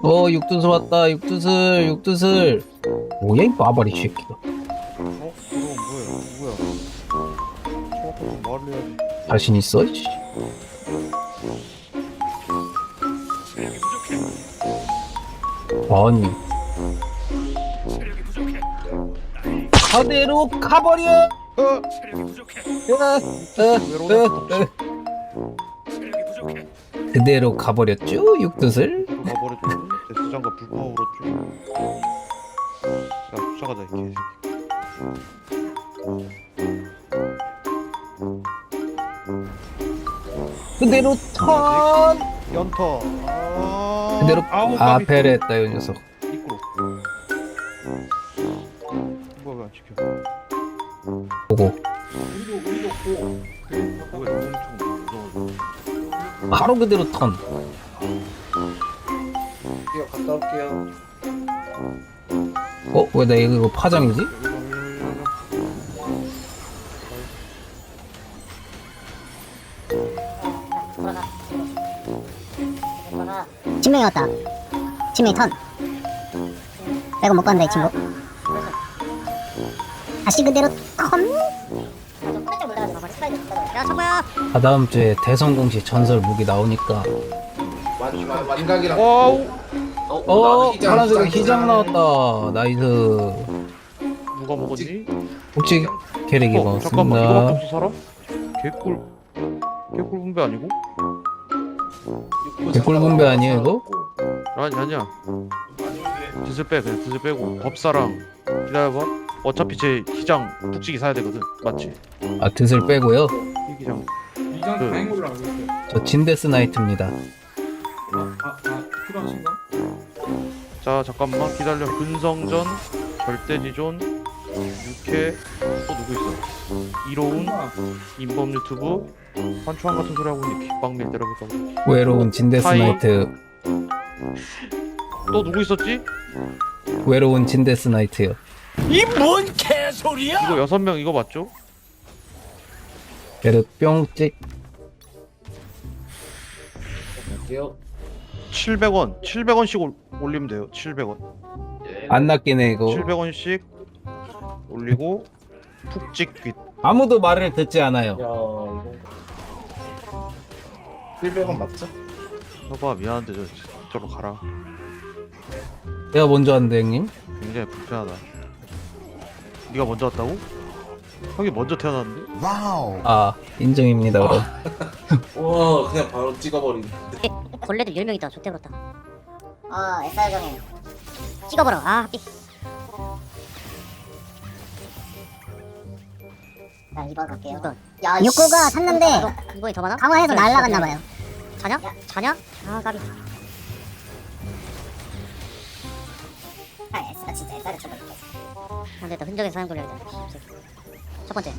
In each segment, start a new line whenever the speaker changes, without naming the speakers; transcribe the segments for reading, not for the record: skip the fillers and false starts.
육두슬 왔다. 육두슬. 뭐야 이 마바리 새끼가.
그럼 뭐야? 정확하게 말을 해야지.
자신 있어? 씨. 아니. 그대로 가버려. 그대로 가버렸죠 육두슬.
가버렸죠. 내 수장과 불파워로 야 쫓아가자 이 개새끼.
그대로 턴.
연터.
그대로
까비.
배려했다 이 녀석.
이끌어. 뭐야 안 지켜.
보고
뭐야 엄청 무서워.
바로 그대로 턴.
갔다 올게요.
왜 나 이거 파장이지?
진명이 왔다. 진명이 턴. 빼고 못 간다 이 친구. 다시 그대로 턴. 야 청구야.
다다음 주에 대성공시 전설 무기 나오니까.
완각이랑.
와우.
파란색 기장 나왔다. 나이스.
누가 먹었니?
혹시 캐릭이
잠깐만 이거밖에
먹었습니다.
없어 사람? 개꿀 분배 아니고?
개꿀 분배 아니에요 이거?
아니야. 드슬 빼 그냥 드슬 빼고 법사랑 기다려봐. 어차피 제 기장 북치기 사야 되거든. 맞지?
아 드슬 빼고요.
이 기장.
이장
그-
다행으로 알고 있어요.
저 진데스 나이트입니다.
필요하신가?
자 잠깐만 기다려. 근성전 절대지존 6회 또 누구 있어? 이로운 인범 유튜브 환초한 같은 소리 하고 있는 킥방밀 때려볼까 보다.
외로운 진데스
하이.
나이트.
또 누구 있었지?
외로운 진데스 나이트요.
이거 6명 이거 맞죠?
베르 뿅찍.
갈게요.
700원씩 올리면 돼요. 700원.
안 낚이네 이거.
700원씩 올리고 푹찍 귓.
아무도 말을 듣지 않아요.
야 이거 100원 맞죠?
여봐 미안한데 저로 가라.
내가 먼저 왔는데 형님.
굉장히 불편하다. 네가 먼저 왔다고? 형이 먼저 태어났는데?
아 인정입니다 그럼.
와 그냥 바로 찍어버리네.
벌레들 10명 있다. 좋대 그렇다. SR 정해. 찍어버려. 합기. 자 2번 갈게요. 6번. 야 6구가 샀는데 이번이 더 많아? 강화해서 날라갔나봐요. 자냐? 아 까비. S가 진짜 SR을 쳐버렸어. 안 됐다. 흔적에 사용 걸려야겠다. 첫 번째.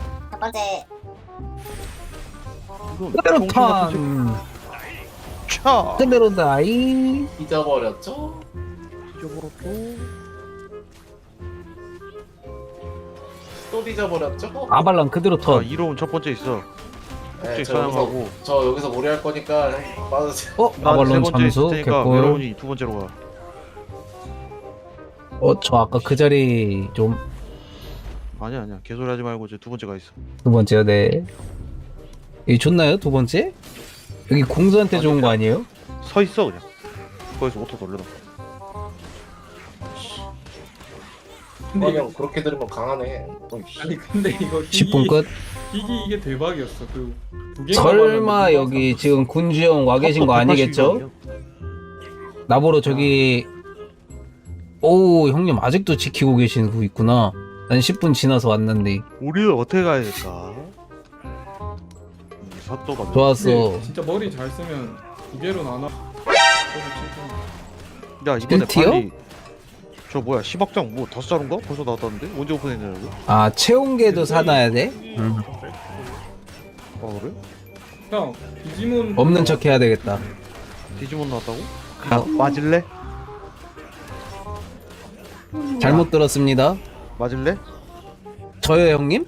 그대로 턴.
차!
그대로 나이.
잊어버렸죠?
잊어버렸고.
또 잊어버렸죠?
아발랑 그대로
자
턴.
이로운 첫 번째 있어.
네,
푹찍
저
사냥하고.
여기서 오래 할 거니까 형 빠르세요.
난 세
아발론
번째
잠수
있을 테니까
개꿀.
외로운이 두 번째로 가.
저 아까 그 자리 좀 두
아니야 개소리 하지 말고 이제 두 번째가 있어.
번째요. 네. 여기 좋나요 두 번째? 여기 공수한테 좋은 거 아니에요?
서 있어 그냥. 거기서 오토 돌려놔.
근데 이거
형 그렇게 들으면 강하네.
아니 근데 이거
10분 끝.
이게 대박이었어. 두 개가
설마
많았는데
여기 지금 군주형 와 계신 거 아니겠죠? 나보러 저기 오 형님 아직도 지키고 계신 분 있구나. 난 10분 지나서 왔는데.
우리는 어떻게 가야 될까? 사또가
좋았어.
근데 진짜 머리 잘 쓰면 두 개로 나눠.
야 이번에
1티어?
빨리 저 뭐야 10억장 뭐 다섯 자루인가? 벌써 나왔다는데? 언제 오픈했냐고?
아 채용계도 사놔야 돼?
아 그래?
형 디지몬
없는 척 해야 되겠다.
디지몬 나왔다고? 야 맞을래?
잘못 들었습니다.
맞을래?
저요 형님?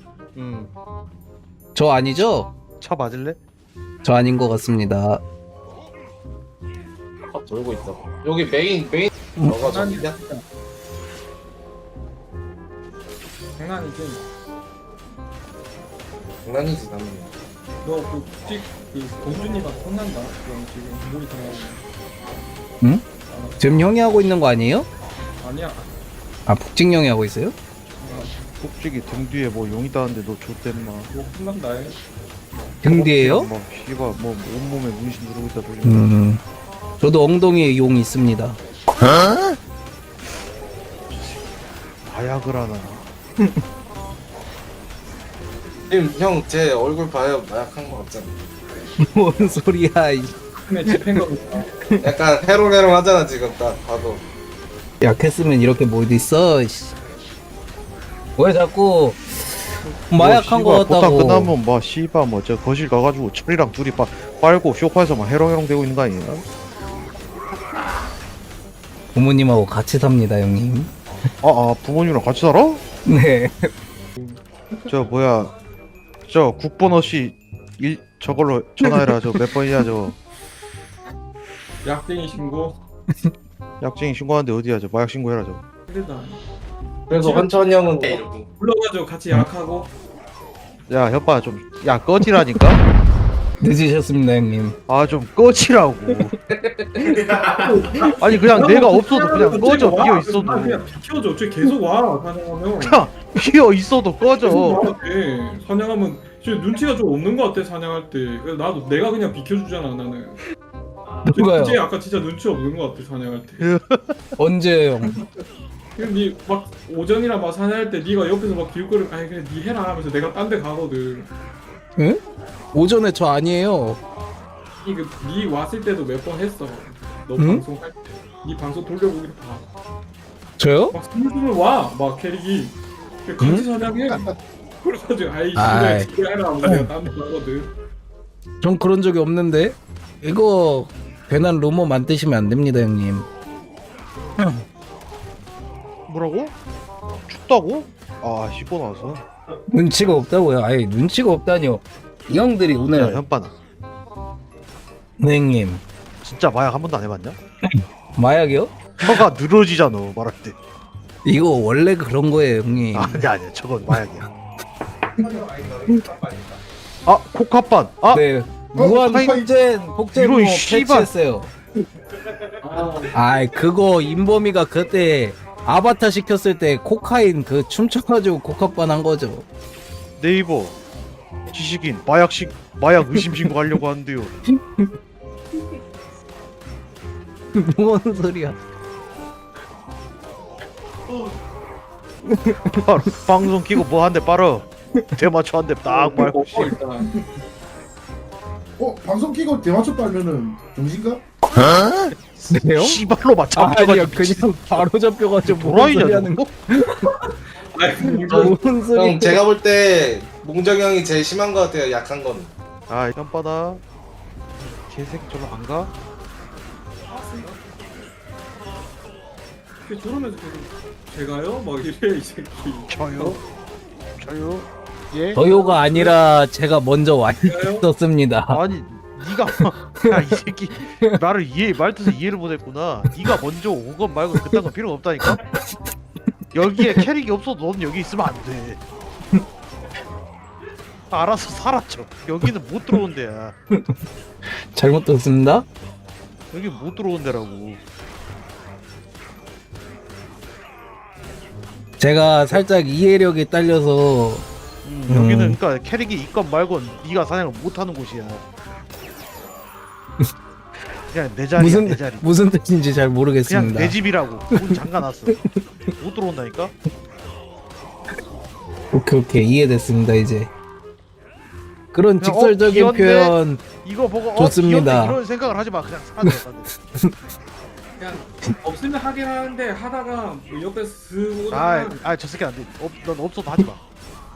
저 아니죠?
차 맞을래?
저 아닌 것 같습니다.
돌고 있어. 여기 메인 너가
장난이
저기냐?
진짜. 장난이지.
장난이지 나는.
너그 찍, 그 공주님한테 혼난다. 그럼 지금 몸이 당하고.
응? 지금 형이 하고 있는 거 아니에요?
아니야.
아 북직 형이 하고 있어요?
꼭지기 등 뒤에 뭐 용 있다는데 너 좆됐나?
뭐 혼난다. 해.
등 뒤에요?
뭐 씨발 뭐 온몸에 문신 누르고 있다 소리.
저도 엉덩이에 용 있습니다.
마약을 하나.
지금 형 제 얼굴 봐요. 마약한 거 같잖아.
뭔 소리야?
근데 집행 거 보다.
약간 해롱해롱 하잖아 지금 딱 봐도.
약했으면 이렇게 못 있어. 씨. 왜 자꾸 마약한 거
보다
같다고?
끝나면 뭐 씨발 뭐 저 거실 가가지고 철이랑 둘이 빨고 쇼파에서 막 해롱해롱 되고 있는 거 아니야?
부모님하고 같이 삽니다, 형님.
부모님이랑 같이 살아?
네.
저 뭐야 저 국번호 씨 저걸로 전화해라. 저 몇 번이야 저
약쟁이 신고.
약쟁이 신고하는데 어디야 저 마약 신고해라 저.
힘들다.
그래서 환천 형은 이렇게.
불러가지고 같이 약하고.
야 협바 좀 야 꺼지라니까.
늦으셨습니다, 형님.
좀 꺼지라고. 아니 그냥 내가 없어도 그냥 꺼져. 비어 있어도
그냥 비켜줘. 쟤 계속 와. 사냥하면.
비어 있어도 꺼져.
사냥하면 쟤 눈치가 좀 없는 것 같아. 사냥할 때. 그래서 나도 내가 그냥 비켜주잖아. 나는.
누가요?
쟤 아까 진짜 눈치 없는 것 같아. 사냥할 때.
언제요?
그럼 니막 오전이라 막 사냥할 때 니가 옆에서 막 기웃거리고 아니 그냥 니 해라 하면서 내가 딴 데 가거든.
응? 오전에 저 아니에요.
니 왔을 때도 몇 번 했어. 너
응?
방송할 때. 니 방송 돌려보기로 봐.
저요?
막 스물스물 와. 막 캐릭이. 같이 사냥해. 그래가지고 아이
아이.
씨발 지금 해라 하면서 내가 딴 데 가거든.
전 그런 적이 없는데. 이거 괜한 루머 만드시면 안 됩니다, 형님.
뭐라고? 춥다고? 씻고 나와서.
눈치가 없다고요. 아예 눈치가 없다니요. 이 형들이
야
오늘
현빠나
네, 형님
진짜 마약 한 번도 안 해봤냐?
마약이요?
혀가 늘어지잖아 말할 때.
이거 원래 그런 거예요, 형님.
아니야 저건 마약이야. 코카반.
네. 무한
카인-
폭제로
이런 씨발.
패치했어요. 아이 그거 인범이가 그때 아바타 시켰을 때 코카인 그 춤춰가지고 코카반 한 거죠.
네이버 지식인 마약 의심 신고하려고 하는데요.
뭔 소리야?
바로 방송 키고 뭐 한 대 빨어. 대마초 한 대 딱 말고.
일단.
방송 끼고 대마초 빨면은 정신가?
네요?
씨발로
아니요,
맞춰가지고
그냥 바로 잡혀가지고 뭔
도라이냐
소리 하는
너?
거?
아니 이거
뭔 소리?
형 제가 볼 때 몽정 형이 제일 심한 거 같아요. 약한 건.
현빠다. 개새끼 저로 안 가?
저러면서 계속 제가요? 막 이래 이 새끼.
저요? 예?
저요가 아니라 제가 먼저 와
제가요?
있었습니다.
아니 네가 야이 새끼 나를 말뜻을 이해를 못했구나. 네가 먼저 온 건 말고 그딴 건 필요 없다니까. 여기에 캐릭이 없어도 넌 여기 있으면 안 돼. 알아서 사라져. 여기는 못 들어온 데야.
잘못 들었습니다.
여기 못 들어온 데라고.
제가 살짝 이해력이 딸려서
여기는 그러니까 캐릭이 있건 말건 네가 사냥을 못하는 곳이야. 그냥 내 자리야 내 자리.
무슨 뜻인지 잘
그냥
모르겠습니다.
내 집이라고 문 잠가놨어. 못 들어온다니까.
오케이 이해됐습니다 이제. 그런
그냥,
직설적인
귀엽네?
표현
이거 보고
좋습니다.
귀엽네 이런 생각을 하지 마. 그냥 사라져.
그냥 없으면 하긴 하는데 하다가 뭐 옆에 슥
저 새끼 안 돼. 넌 없어도 하지 마.